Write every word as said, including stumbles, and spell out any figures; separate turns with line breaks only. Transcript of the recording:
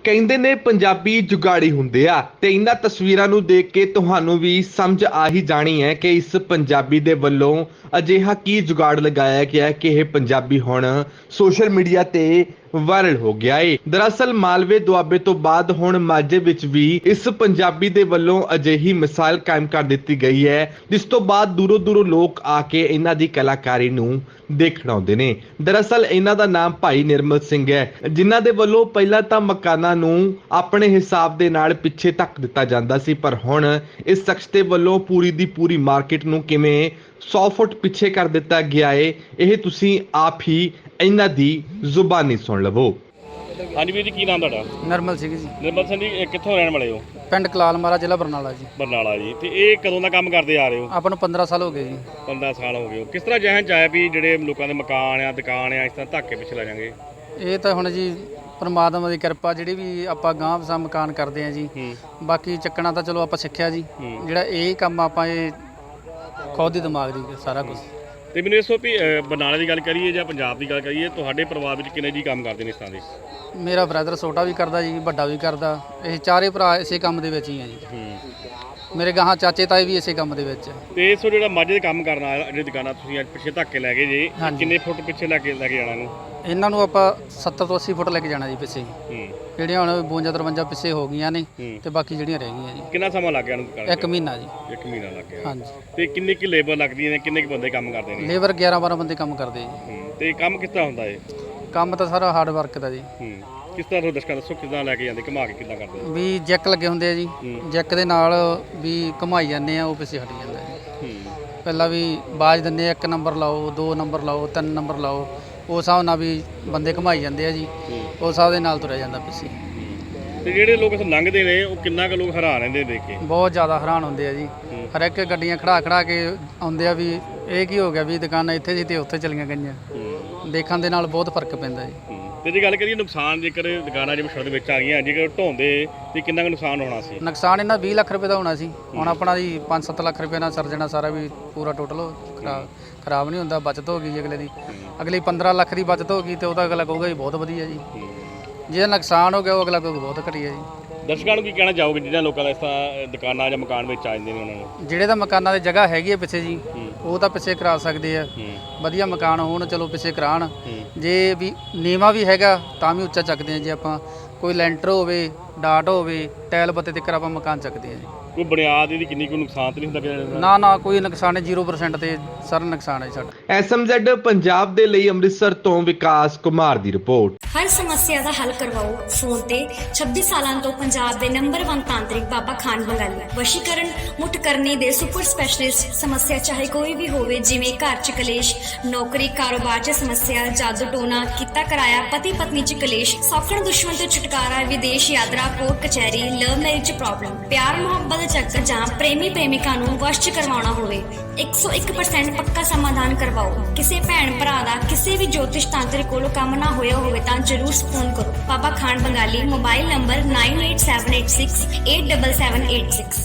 ਕਹਿੰਦੇ ਨੇ ਪੰਜਾਬੀ ਜੁਗਾੜੀ ਹੁੰਦੇ ਆ ਤੇ ਇਹਨਾਂ ਤਸਵੀਰਾਂ ਨੂੰ ਦੇਖ ਕੇ ਤੁਹਾਨੂੰ ਵੀ ਸਮਝ ਆ ਹੀ ਜਾਣੀ ਹੈ ਕਿ ਇਸ ਪੰਜਾਬੀ ਦੇ ਵੱਲੋਂ ਅਜਿਹਾ ਕੀ ਜੁਗਾੜ ਲਗਾਇਆ ਗਿਆ ਕਿ ਇਹ ਪੰਜਾਬੀ ਹੁਣ ਸੋਸ਼ਲ ਮੀਡੀਆ ਤੇ ਵਾਇਰਲ ਹੋ ਗਿਆ ਏ। ਦਰਅਸਲ ਮਾਲਵੇ ਦੁਆਬੇ ਤੋਂ ਬਾਅਦ ਹੁਣ ਮਾਝੇ ਵਿੱਚ ਵੀ ਇਸ ਪੰਜਾਬੀ ਦੇ ਵੱਲੋਂ ਅਜਿਹੀ ਮਿਸਾਲ ਕਾਇਮ ਕਰ ਦਿੱਤੀ ਗਈ ਹੈ, ਜਿਸ ਤੋਂ ਬਾਅਦ ਦੂਰੋਂ ਦੂਰੋਂ ਲੋਕ ਆ ਕੇ ਇਹਨਾਂ ਦੀ ਕਲਾਕਾਰੀ ਨੂੰ ਦੇਖਣ ਆਉਂਦੇ ਨੇ। ਦਰਅਸਲ ਇਹਨਾਂ ਦਾ ਨਾਮ ਭਾਈ ਨਿਰਮਲ ਸਿੰਘ ਹੈ, ਜਿਨ੍ਹਾਂ ਦੇ ਵੱਲੋਂ ਪਹਿਲਾਂ ਤਾਂ ਮਕਾਨਾਂ ਨੂੰ ਆਪਣੇ ਹਿਸਾਬ ਦੇ ਨਾਲ ਪਿੱਛੇ ਧੱਕ ਦਿੱਤਾ ਜਾਂਦਾ ਸੀ, ਪਰ ਹੁਣ ਇਸ ਸ਼ਖਸ ਦੇ ਵੱਲੋਂ ਪੂਰੀ ਦੀ ਪੂਰੀ ਮਾਰਕੀਟ ਨੂੰ ਕਿਵੇਂ ਸੌ ਫੁੱਟ ਪਿੱਛੇ ਕਰ ਦਿੱਤਾ ਗਿਆ ਏ, ਇਹ ਤੁਸੀਂ ਆਪ ਹੀ ਇਹਨਾਂ ਦੀ ਜ਼ੁਬਾਨੀ ਸੁਣ ਲਵੋ।
ਹਾਂਜੀ ਵੀਰ ਜੀ, ਕੀ ਨਾਮ ਤੁਹਾਡਾ?
ਨਰਮਲ ਸਿੰਘ ਜੀ।
ਨਿਰਮਲ ਸਿੰਘ ਜੀ, ਇਹ ਕਿੱਥੋਂ ਰਹਿਣ ਵਾਲੇ ਹੋ?
ਪਿੰਡ ਕਲਾਲ ਮਾਰਾ, ਜ਼ਿਲ੍ਹਾ ਬਰਨਾਲਾ ਜੀ।
ਬਰਨਾਲਾ ਜੀ। ਤੇ ਇਹ ਕਦੋਂ ਦਾ ਕੰਮ ਕਰਦੇ ਆ ਰਹੇ ਹੋ?
ਆਪਾਂ ਨੂੰ ਪੰਦਰਾਂ ਸਾਲ ਹੋ ਗਏ ਜੀ।
ਪੰਦਰਾਂ ਸਾਲ ਹੋ ਗਏ ਹੋ। ਕਿਸ ਤਰ੍ਹਾਂ ਜਹਨ ਚ ਆਇਆ ਵੀ ਜਿਹੜੇ ਲੋਕਾਂ ਦੇ ਮਕਾਨ ਆ, ਦੁਕਾਨ ਆ, ਇਸ ਤਰ੍ਹਾਂ ਧੱਕੇ ਪਿੱਛੇ ਲੈ ਜਾਾਂਗੇ?
ਇਹ ਤਾਂ ਹੁਣ ਜੀ ਪਰਮਾਤਮਾ ਦੀ ਕਿਰਪਾ, ਜਿਹੜੀ ਵੀ ਆਪਾਂ ਗਾਂਹ ਵਸਾ ਮਕਾਨ ਕਰਦੇ ਆ ਜੀ। ਬਾਕੀ ਚੱਕਣਾ ਤਾਂ ਚਲੋ ਆਪਾਂ ਸਿੱਖਿਆ ਜੀ, ਜਿਹੜਾ ਇਹ ਕੰਮ ਆਪਾਂ ਇਹ ਖੁਦ ਹੀ ਦਿਮਾਗ ਦੀ ਸਾਰਾ ਕੁਝ।
ਤੇ ਮੈਨੂੰ ਦੱਸੋ ਵੀ ਅ, ਬਰਨਾਲੇ ਦੀ ਗੱਲ ਕਰੀਏ ਜਾਂ ਪੰਜਾਬ ਦੀ ਗੱਲ ਕਰੀਏ, ਤੁਹਾਡੇ ਪਰਿਵਾਰ ਵਿੱਚ ਕਿੰਨੇ ਜੀ ਕੰਮ ਕਰਦੇ ਨੇ ਇਸ ਤਰ੍ਹਾਂ ਦੇ?
ਮੇਰਾ ਬ੍ਰਦਰ ਛੋਟਾ ਵੀ ਕਰਦਾ ਜੀ, ਵੱਡਾ ਵੀ ਕਰਦਾ। ਇਹ ਚਾਰੇ ਭਰਾ ਇਸੇ ਕੰਮ ਦੇ ਵਿੱਚ ਹੀ ਆ ਜੀ। ਮੇਰੇ ਗਾਹਾਂ ਚਾਚੇ ਤਾਏ ਵੀ ਇਸੇ ਕੰਮ ਦੇ ਵਿੱਚ।
ਤੇ ਇਸ ਜਿਹੜਾ ਮਾਝੇ ਦੇ ਕੰਮ ਕਰਨ ਵਾਲਾ ਜਿਹੜੀ ਦੁਕਾਨਾਂ ਤੁਸੀਂ ਅੱਜ ਪਿੱਛੇ ਧੱਕੇ ਲੈ ਗਏ ਜੇ, ਕਿੰਨੇ ਫੁੱਟ ਪਿੱਛੇ ਲੈ ਕੇ ਲੈ ਕੇ ਜਾਣਾ ਇਹਨੂੰ?
ਇਹਨਾਂ ਨੂੰ ਆਪਾਂ ਸੱਤਰ ਤੋਂ ਅੱਸੀ ਫੁੱਟ ਲੈ ਕੇ ਜਾਣਾ ਜੀ ਪਿੱਛੇ। ਜਿਹੜੀਆਂ ਹੁਣ ਬਵੰਜਾ ਤਰਵੰਜਾ ਪਿੱਛੇ ਹੋ ਗਈਆਂ ਨੇ ਤੇ ਬਾਕੀ ਜਿਹੜੀਆਂ ਰਹਿ ਗਈਆਂ ਜੀ।
ਕਿੰਨਾ ਸਮਾਂ ਲੱਗ ਗਿਆ ਇਹਨੂੰ?
ਇੱਕ ਮਹੀਨਾ ਜੀ।
ਇੱਕ ਮਹੀਨਾ ਲੱਗ ਗਿਆ।
ਹਾਂਜੀ।
ਤੇ ਕਿੰਨੀ ਕੀ ਲੇਬਰ ਲੱਗਦੀ ਹੈ, ਕਿੰਨੇ ਕੁ ਬੰਦੇ ਕੰਮ ਕਰਦੇ ਨੇ?
ਲੇਬਰ ਗਿਆਰਾਂ ਬਾਰਾਂ ਬੰਦੇ ਕੰਮ ਕਰਦੇ ਜੀ।
ਤੇ ਕੰਮ ਕਿਸ ਤਰ੍ਹਾਂ ਹੁੰਦਾ ਹੈ?
ਕੰਮ ਤਾਂ ਸਾਰਾ ਹਾਰਡ ਵਰਕ ਦਾ ਜੀ।
ਕਿਸ ਤਰ੍ਹਾਂ ਦਰਸ਼ਕਾਂ ਦੱਸੋ ਕਿੱਦਾਂ ਲੈ ਕੇ ਜਾਂਦੇ, ਘੁਮਾ ਕੇ ਕਿੱਦਾਂ ਕਰਦੇ?
ਵੀ ਜੈਕ ਲੱਗੇ ਹੁੰਦੇ ਆ ਜੀ, ਜੈਕ ਦੇ ਨਾਲ ਵੀ ਘੁਮਾਈ ਜਾਂਦੇ ਆ, ਉਹ ਪਿੱਛੇ ਹਟ ਜਾਂਦਾ ਜੀ। ਪਹਿਲਾਂ ਵੀ ਬਾਜ ਦਿੰਦੇ ਆ, ਇੱਕ ਨੰਬਰ ਲਾਓ, ਦੋ ਨੰਬਰ ਲਾਓ, ਤਿੰਨ ਨੰਬਰ ਲਾਓ, ਉਸ ਹਿਸਾਬ ਨਾਲ ਵੀ ਬੰਦੇ ਘੁਮਾਈ ਜਾਂਦੇ ਆ ਜੀ। ਉਸ ਹਿਸਾਬ ਦੇ ਨਾਲ ਤੁਰਿਆ ਜਾਂਦਾ ਪਿੱਛੇ।
ਤੇ ਜਿਹੜੇ ਲੋਕ ਇੱਥੇ ਲੰਘਦੇ ਨੇ ਉਹ ਕਿੰਨਾ ਕੁ ਲੋਕ ਹੈਰਾਨ ਰਹਿੰਦੇ ਦੇਖ ਕੇ?
ਬਹੁਤ ਜ਼ਿਆਦਾ ਹੈਰਾਨ ਹੁੰਦੇ ਆ ਜੀ। ਹਰ ਇੱਕ ਗੱਡੀਆਂ ਖੜਾ ਖੜਾ ਕੇ ਆਉਂਦੇ ਆ ਵੀ ਇਹ ਕੀ ਹੋ ਗਿਆ, ਵੀ ਦੁਕਾਨਾਂ ਇੱਥੇ ਸੀ ਤੇ ਉੱਥੇ ਚਲੀਆਂ ਗਈਆਂ। ਦੇਖਣ ਦੇ ਨਾਲ ਬਹੁਤ ਫਰਕ ਪੈਂਦਾ ਜੀ।
ਤੇ ਜੇ ਗੱਲ ਕਰੀਏ ਨੁਕਸਾਨ, ਜੇਕਰ ਦੁਕਾਨਾਂ ਜਿਵੇਂ ਸੜਕ ਵਿੱਚ ਆ ਗਈਆਂ, ਜੇਕਰ ਢੋਂਦੇ ਤੇ ਕਿੰਨਾ ਕੁ ਨੁਕਸਾਨ ਹੋਣਾ ਸੀ?
ਨੁਕਸਾਨ ਇਹਨਾਂ ਵੀਹ ਲੱਖ ਰੁਪਏ ਦਾ ਹੋਣਾ ਸੀ। ਹੁਣ ਆਪਣਾ ਜੀ ਪੰਜ ਸੱਤ ਲੱਖ ਰੁਪਏ ਨਾਲ ਸਰ ਜਾਣਾ ਸਾਰਾ, ਵੀ ਪੂਰਾ ਟੋਟਲ ਖਰਾਬ ਖਰਾਬ ਨਹੀਂ ਹੁੰਦਾ। ਬਚਤ ਹੋ ਗਈ ਜੀ ਅਗਲੇ ਦੀ। ਅਗਲੀ ਪੰਦਰਾਂ ਲੱਖ ਦੀ ਬਚਤ ਹੋ ਗਈ ਤੇ ਉਹਦਾ ਅਗਲਾ ਕਹੂਗਾ ਜੀ ਬਹੁਤ ਵਧੀਆ ਜੀ। ਜੇ ਨੁਕਸਾਨ ਹੋ ਗਿਆ ਉਹ ਅਗਲਾ ਕਹੂਗਾ ਬਹੁਤ ਘਟੀਆ ਜੀ।
ਦਰਸ਼ਕਾਂ ਨੂੰ ਕੀ ਕਹਿਣਾ ਚਾਹੋਗੇ ਜਿਹਨਾਂ ਲੋਕਾਂ ਦਾ ਇਸ ਤਰ੍ਹਾਂ ਦੁਕਾਨਾਂ ਜਾਂ ਮਕਾਨ ਵਿੱਚ ਆ ਜਾਂਦੇ ਨੇ ਉਹਨਾਂ ਨੂੰ?
ਜਿਹੜੇ ਤਾਂ ਮਕਾਨਾਂ ਦੀ ਜਗ੍ਹਾ ਹੈਗੀ ਹੈ ਪਿੱਛੇ ਜੀ, ਉਹ ਤਾਂ ਪਿੱਛੇ ਕਰਾ ਸਕਦੇ ਆ। ਵਧੀਆ ਮਕਾਨ ਹੋਣ ਚਲੋ ਪਿੱਛੇ ਕਰਾਉਣ। ਜੇ ਵੀ ਨੀਵਾਂ ਵੀ ਹੈਗਾ ਤਾਂ ਵੀ ਉੱਚਾ ਚੱਕਦੇ ਆ। ਜੇ ਆਪਾਂ ਕੋਈ ਲੈਂਟਰ ਹੋਵੇ, ਡਾਟ ਹੋਵੇ, ਟਾਇਲ ਬੱਤੇ ਤੱਕ ਆਪਾਂ ਮਕਾਨ ਚੱਕਦੇ ਆ ਜੀ।
ਕੋਈ ਬੁਨਿਆਦ ਇਹਦੀ ਕਿੰਨੀ ਕੋਈ ਨੁਕਸਾਨ ਤਾਂ ਨਹੀਂ ਹੁੰਦਾ ਕਿਸੇ?
ਨਾ ਨਾ ਕੋਈ ਨੁਕਸਾਨ ਨਹੀਂ, ਜ਼ੀਰੋ ਪਰਸੈਂਟ ਤੇ ਸਰ ਨੁਕਸਾਨ ਹੈ ਸਾਡਾ।
ਐਸ ਐਮ ਜ਼ੈਡ ਪੰਜਾਬ ਦੇ ਲਈ ਅੰਮ੍ਰਿਤਸਰ ਤੋਂ ਵਿਕਾਸ ਕੁਮਾਰ ਦੀ ਰਿਪੋਰਟ।
ਹਰ ਸਮੱਸਿਆ ਦਾ ਹੱਲ ਕਰਵਾਓ ਫੋਨ ਤੇ। ਛੱਬੀ ਸਾਲਾਂ ਤੋਂ ਪੰਜਾਬ ਦੇ ਨੰਬਰ ਇੱਕ ਤਾਂਤਰਿਕ ਬਾਬਾ ਖਾਨ ਬੰਗਾਲੀ। ਵਸ਼ੀਕਰਨ, ਮੁੱਠ ਕਰਨੀ ਦੇ ਸੁਪਰ ਸਪੈਸ਼ਲਿਸਟ। ਸਮੱਸਿਆ ਚਾਹੇ ਕੋਈ ਵੀ ਹੋਵੇ, ਜਿਵੇਂ ਘਰ ਚ ਕਲੇਸ਼, ਨੌਕਰੀ ਕਾਰੋਬਾਰ ਚ ਸਮੱਸਿਆ, ਜਾਦੂ ਟੋਨਾ, ਕੀਤਾ ਕਰਾਇਆ, ਪਤੀ ਪਤਨੀ ਚ ਕਲੇਸ਼, ਸੌਖਣ ਦੁਸ਼ਮਣ ਤੋਂ ਛੁਟਕਾਰਾ, ਵਿਦੇਸ਼ ਯਾਤਰਾ, ਕੋਰਟ ਕਚਹਿਰੀ, ਲਵ ਮੈਰਿਜ ਚ ਪ੍ਰੋਬਲਮ, ਪਿਆਰ ਮੁਹੱਬਤ ਚੱਕਰ ਜਾਂ ਪ੍ਰੇਮੀ ਪ੍ਰੇਮਿਕਾ ਨੂੰ ਵਸ਼ ਚ ਕਰਵਾਉਣਾ ਹੋਵੇ, ਇੱਕ ਸੌ ਇੱਕ ਪਰਸੈਂਟ ਪੱਕਾ ਸਮਾਧਾਨ ਕਰਵਾਓ। ਕਿਸੇ ਭੈਣ ਭਰਾ ਦਾ ਕਿਸੇ ਵੀ ਜੋਤਿਸ਼ ਤਾਂਤਰਿਕ ਕੋਲੋਂ ਕੰਮ ਨਾ ਹੋਇਆ ਹੋਵੇ ਤਾਂ ਜ਼ਰੂਰ ਫੋਨ ਕਰੋ। Baba Khan Bengali. Mobile number nine eight seven eight six eight seven seven eight six.